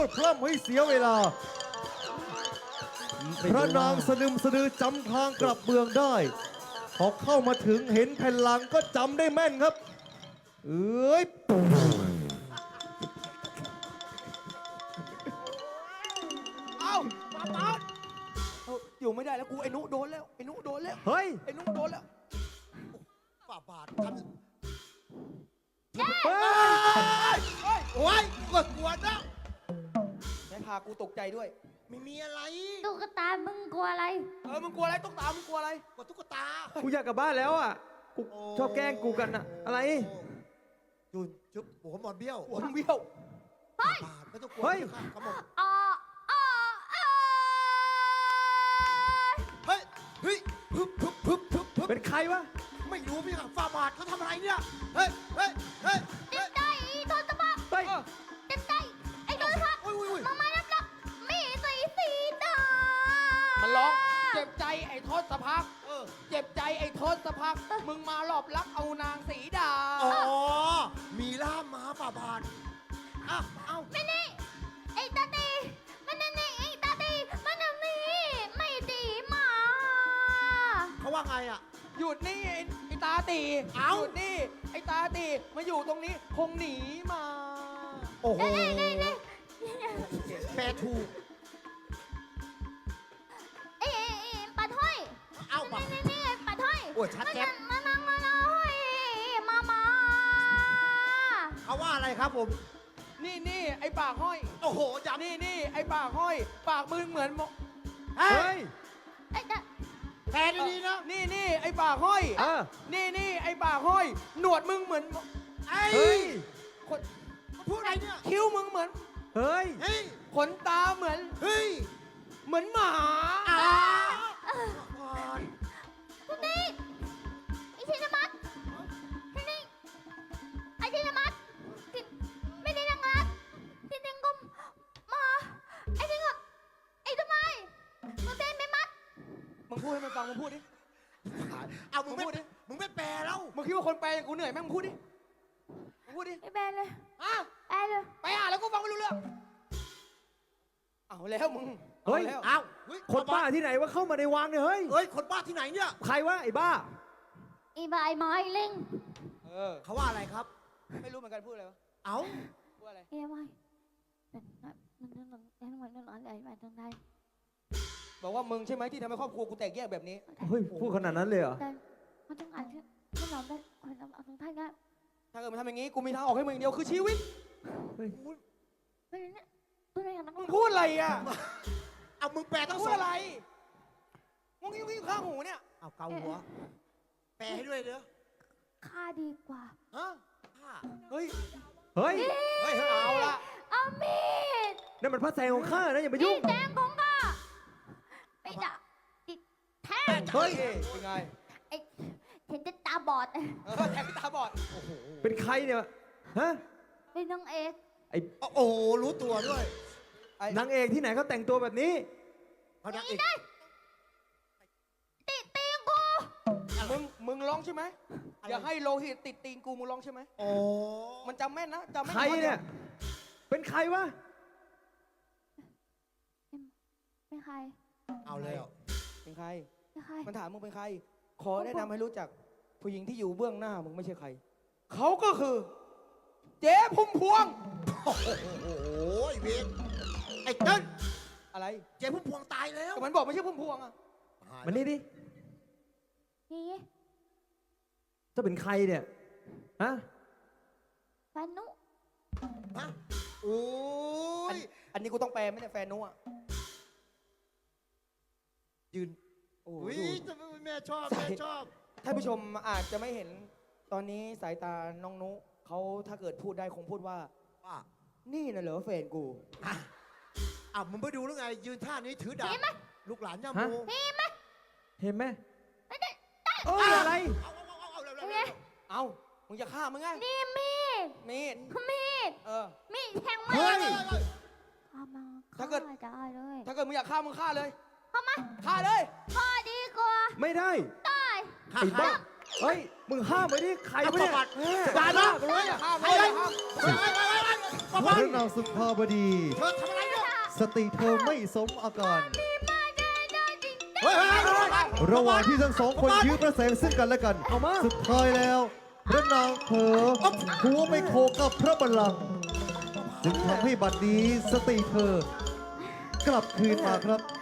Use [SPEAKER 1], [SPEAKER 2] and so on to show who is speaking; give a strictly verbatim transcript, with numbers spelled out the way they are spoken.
[SPEAKER 1] พร่ำให้เสียเวลาพระนางสนึมสนือจำทางกลับเมืองได้พอเข้ามาถึงเห็นแผ่นหลังก็จำได้แม่นครับเอ้ย
[SPEAKER 2] เอ้ามาปาดเอาอยู่ไม่ได้แล้วกูไอ้นุโดนแล้วไอ้นุโดนแล้ว
[SPEAKER 1] เฮ้ย
[SPEAKER 2] ไอ้นุโดนแล้ว
[SPEAKER 3] ฝ่าบาททำ
[SPEAKER 1] เฮ้ย
[SPEAKER 2] เฮ้ย
[SPEAKER 3] โอ้ยกดกวนนะ
[SPEAKER 2] แม่พากูตกใจด้วย
[SPEAKER 3] ไม่มีอะไร
[SPEAKER 4] ตุ๊กตามึงกลัวอะไร
[SPEAKER 2] เออมึงกลัวอะไรตุ๊กตามึงกลัวอะไร
[SPEAKER 3] กดตุ๊กตา
[SPEAKER 5] กูอยากกลับบ้านแล้วอ่ะ กูชอบแกล้งกูกันอะอะไร
[SPEAKER 3] จุนจุ๊บหัวหมอนเบี้ยว
[SPEAKER 2] หัวมึงเบี้ยว
[SPEAKER 3] ฝ่าบาทไม่ต้องกลัว
[SPEAKER 5] เฮ้ย
[SPEAKER 3] ครับผม
[SPEAKER 4] อ๋ออ๋ออ๋อ
[SPEAKER 3] เฮ้ยเฮ้ยพึบพึบพึบพึบพึบ
[SPEAKER 5] เป็นใครวะ
[SPEAKER 3] ไม่รู้พี่ค่ะฝ่าบาทเขาทำอะไรเนี่ยเฮ้ยเฮ้ยเฮ้ย
[SPEAKER 4] เต็มใจโดนตะบัก
[SPEAKER 5] เฮ้ย
[SPEAKER 4] เต็มใจไอ้โดนพัก
[SPEAKER 3] อุ้ยอุ้ยอุ้ย
[SPEAKER 4] มามารับรับมีสีสีดา
[SPEAKER 2] มันร้องเจ็บใจไอ้ทศพัก
[SPEAKER 3] เออ
[SPEAKER 2] เจ็บใจไอ้ทศพักมึงมาหลอบลักเอานางสีดา
[SPEAKER 3] อ๋อมีล่ามมาฝ่าบาทอ้าวเอ้า
[SPEAKER 4] ไม่นี่ไอ้ตาตีมันนั่นนี่ไอ้ตาตีมันนั่นนี่ไม่ดีมา
[SPEAKER 3] เขาว่าไงอ่ะ
[SPEAKER 2] หยุดนี่ไอ้ไอ้ตาตี
[SPEAKER 3] เอ้า
[SPEAKER 2] หยุดนี่ไอ้ตาตีมาอยู่ตรงนี้คงหนีมา
[SPEAKER 3] โอ้โห
[SPEAKER 4] นี่นี่นี่
[SPEAKER 3] แปลถูก
[SPEAKER 4] ไอ้ไอ้ไอ้ปัดห้อย
[SPEAKER 3] เอ้าป่ะ
[SPEAKER 4] นี่นี่นี่ปัดห้อย
[SPEAKER 3] โอ้ยชัดแจ๊บ
[SPEAKER 4] มานั่งมานั่งห้อยมามา
[SPEAKER 3] เขาว่าอะไรครับผม
[SPEAKER 2] นี่นี่ไอ้ปากห้อย
[SPEAKER 3] โอ้โหย้ำ
[SPEAKER 2] นี่นี่ไอ้ปากห้อย ปากมึงเหมือนหมอ
[SPEAKER 3] เฮ้
[SPEAKER 5] เฮ้
[SPEAKER 3] ย
[SPEAKER 5] ย
[SPEAKER 4] ไอ้ตา
[SPEAKER 3] แปลดีๆนะ
[SPEAKER 2] นี่นี่ไอ้ปากห้อย
[SPEAKER 5] เออ
[SPEAKER 2] นี่นี่ไอ้ปากห้อย หนวดมึงเหมือนหมอ
[SPEAKER 3] ไอ้
[SPEAKER 5] เฮ้ย
[SPEAKER 2] ขน
[SPEAKER 3] มันพูดอะไรเนี่ย
[SPEAKER 2] คิ้วมึงเหมือน
[SPEAKER 5] เฮ้ย
[SPEAKER 3] เฮ้ย
[SPEAKER 2] ขนตาเหมือน
[SPEAKER 3] เฮ้ย
[SPEAKER 2] เหมือนหมา
[SPEAKER 3] อ่า
[SPEAKER 4] คุณนี่ไอ้ชินมัตที่นี่ไอ้ชินมัตที่ไม่ได้นางรักที่นี่ก็มาไอ้นี่ก็ไอ้ทำไมมันเป็นไม่มัด
[SPEAKER 2] มึงพูดให้มันฟังมึงพูดดิ
[SPEAKER 3] เอามึงไม่
[SPEAKER 2] มึงพูดดิ
[SPEAKER 3] มึงไม่แปลแล้ว
[SPEAKER 2] มึงคิดว่าคนแปลอย่างกูเหนื่อยไหมมึงพูดดิ มึงพูดดิ
[SPEAKER 4] ไอ้แบนเลย
[SPEAKER 2] อ่ะ
[SPEAKER 4] แบนเลย
[SPEAKER 2] ไปอ่านแล้วกูฟังไม่รู้เรื่อง เอาแล้วมึง
[SPEAKER 5] เฮ้ย
[SPEAKER 2] อาแล้ว
[SPEAKER 3] เอาเฮ้ย
[SPEAKER 5] คนบ้าที่ไหนว่าเข้ามาในวังเนี่ยเฮ้ย
[SPEAKER 3] เฮ้ย คนบ้าที่ไหนเนี่ย
[SPEAKER 5] ใครวะไอ้บ้า
[SPEAKER 4] ไอ้บายไม้เล่ง
[SPEAKER 2] เออ
[SPEAKER 3] เขาว่าอะไรครับ
[SPEAKER 2] ไม่รู้เหมือนกันพูดอะไรวะ
[SPEAKER 3] เอา
[SPEAKER 2] พูดอะไร
[SPEAKER 4] ไอ้บายมันมันมันมันมันมันอะไรแบบตรงไหน
[SPEAKER 2] บอกว่ามึงใช่ไหมที่ทำให้ครอบครัวกูแตกแยกแบบนี้
[SPEAKER 5] เฮ้ย พูดขนาดนั้นเลยเหรอ
[SPEAKER 4] แต่มันต้องอ่านที่ที่เราได้คนเราเอาตรงท่านก็
[SPEAKER 2] ถ้าเกิดมึงทำอย่างนี้กูมีทางออกให้มึงอย่างเดียวคือชีวิต
[SPEAKER 4] ไม่เนี่ยตัวไหนกันนะ
[SPEAKER 2] มึงพูดอะไรอ่ะ
[SPEAKER 3] เอามึงแปลทั้ง
[SPEAKER 2] พู
[SPEAKER 3] ส
[SPEAKER 2] ด
[SPEAKER 3] อง
[SPEAKER 2] อะไรมึงยิ่งยิ่งข้างหูเนี่ย
[SPEAKER 3] เอาเกาหัว แปลให้ด้วยเด้อ
[SPEAKER 4] ค่าดีกว่า
[SPEAKER 2] ฮะ
[SPEAKER 3] ผ้า
[SPEAKER 2] เฮ้ย
[SPEAKER 5] เฮ้ย
[SPEAKER 3] เฮ้ย
[SPEAKER 2] เอาละ
[SPEAKER 4] เอามีด
[SPEAKER 5] นั่นมันพระแสงของข้านะอย่าไป
[SPEAKER 4] มี
[SPEAKER 5] ยุ่ง
[SPEAKER 4] ดแดงของข้าไปด่าติดแทง
[SPEAKER 2] เฮ้ย เป็นไง
[SPEAKER 4] ไอ้เห็นจะตาบอด
[SPEAKER 2] เออแทงตาบอด
[SPEAKER 3] โอ้โห
[SPEAKER 5] เป็นใครเนี่ย ฮะ
[SPEAKER 4] เป็นนางเอก
[SPEAKER 5] ไอ้
[SPEAKER 3] โอ้โห รู้ตัวด้วย
[SPEAKER 2] ไอ้
[SPEAKER 5] นางเอกที่ไหนเขาแต่งตัวแบบนี้
[SPEAKER 3] เขาดักอีก
[SPEAKER 4] ติดตีนกู
[SPEAKER 2] มึง มึงร้องใช่ไหม อย่าให้โลหิตติดตีนกูมึงร้องใช่ไหม
[SPEAKER 3] โอ้
[SPEAKER 2] มันจำแม่นนะจำแม่น
[SPEAKER 5] ใครเนี่ย เป็นใครวะ
[SPEAKER 4] เป็นใคร
[SPEAKER 3] เอาเลยอ่ะ
[SPEAKER 2] เป็นใคร
[SPEAKER 4] เป็นใคร
[SPEAKER 2] มันถามมึงเป็นใคร ขอแนะนำให้รู้จัก ผู้หญิงที่อยู่เบื้องหน้ามึงไม่ใช่ใคร เขาก็คือ เจ๊พุ่มพวง
[SPEAKER 3] โอ้โหไอ้เวรไอ้เติ้ล
[SPEAKER 2] อะไร
[SPEAKER 3] เจ๊พุ่มพวงตายแล้ว
[SPEAKER 2] แต่มันบอกไม่ใช่พุ่มพวงอะ
[SPEAKER 5] มันนี่ดิ
[SPEAKER 4] นี่
[SPEAKER 5] จะเป็นใครเนี่ย ฮะ
[SPEAKER 4] แฟนนุ
[SPEAKER 3] ฮะโอ้
[SPEAKER 2] อัน
[SPEAKER 3] ย
[SPEAKER 2] อันนี้กูต้องแปลไหมเนี่ยแฟนนุอะ
[SPEAKER 3] ยืน
[SPEAKER 2] โอ้โห
[SPEAKER 3] อุ้ย
[SPEAKER 2] ดู
[SPEAKER 3] จะไม่แม่ชอบ
[SPEAKER 2] ใส่
[SPEAKER 3] แม่ชอบ
[SPEAKER 2] ท่านผู้ชมอาจจะไม่เห็น ตอนนี้สายตาน้องนุเขาถ้าเกิดพูดได้คงพูดว่า
[SPEAKER 3] ว่า
[SPEAKER 2] นี่น่ะเหรอแฟนกู
[SPEAKER 3] อ่ะอ่ะมึงไปดูแล้วไง ยืนท่านี้ถือดาบลูกหลานย่าโม
[SPEAKER 5] ฮะ
[SPEAKER 4] มีไหม
[SPEAKER 5] เห็นไหม
[SPEAKER 4] ไม่ได้
[SPEAKER 5] เอ้ยอะไร
[SPEAKER 3] เอาเอาเอาเอาเร็ว
[SPEAKER 4] เป็
[SPEAKER 3] เร็
[SPEAKER 4] น
[SPEAKER 3] ว
[SPEAKER 4] ไง
[SPEAKER 3] เร็ว
[SPEAKER 2] เอ้า มึงจะฆ่ามึงไง
[SPEAKER 4] นี่มีด
[SPEAKER 2] มีด
[SPEAKER 4] มีด
[SPEAKER 2] เออ
[SPEAKER 4] มีดแทง
[SPEAKER 3] เฮ้
[SPEAKER 4] มื
[SPEAKER 3] ย
[SPEAKER 4] อ
[SPEAKER 3] เฮ้ยเฮ้ย
[SPEAKER 4] ข้ามา
[SPEAKER 2] ถ้าเกิด
[SPEAKER 4] ฆ่ได้เลย
[SPEAKER 2] ถ้าเกิดมึงอยากฆ่ามึงฆ่าเลย
[SPEAKER 4] เข้ามา
[SPEAKER 2] ฆ่าเลย
[SPEAKER 4] ข้อดีกว่า
[SPEAKER 5] ไม่ได้
[SPEAKER 4] ได้
[SPEAKER 3] ฆ่า
[SPEAKER 5] ไอ้
[SPEAKER 3] ใคร
[SPEAKER 5] บ้า เฮ้ย มึงห้ามไว้ดิ ใคร
[SPEAKER 3] เอา
[SPEAKER 5] วะเนี่ย
[SPEAKER 3] ประวัติ
[SPEAKER 5] เออ
[SPEAKER 3] ได้ปะ
[SPEAKER 2] มึงอย่าฆ่ามึง
[SPEAKER 3] เฮ้ย
[SPEAKER 2] อย่าฆ่า
[SPEAKER 3] เฮ้ยเฮ้ยเฮ้ยเฮ้ยป้า
[SPEAKER 1] พ
[SPEAKER 3] บ้าน
[SPEAKER 1] ระนางสุภาบดี
[SPEAKER 3] เธอทำอะไรเนี่ย
[SPEAKER 1] สติเธอไม่สมอาการ
[SPEAKER 4] มีมาเดินได้จริง
[SPEAKER 3] เฮ้ยเฮ้ยเฮ้ยเฮ้ย
[SPEAKER 1] ระหว่างที่ทั้งสองคนยื้อประแสงซึ่งกันและกัน
[SPEAKER 5] เอามา
[SPEAKER 1] สุดท้ายแล้ว พระนางเผลอหัวไปโขกกับพระบัลลังก์จึงทำให้บัดนี้สติเธอกลับคืนมาครับ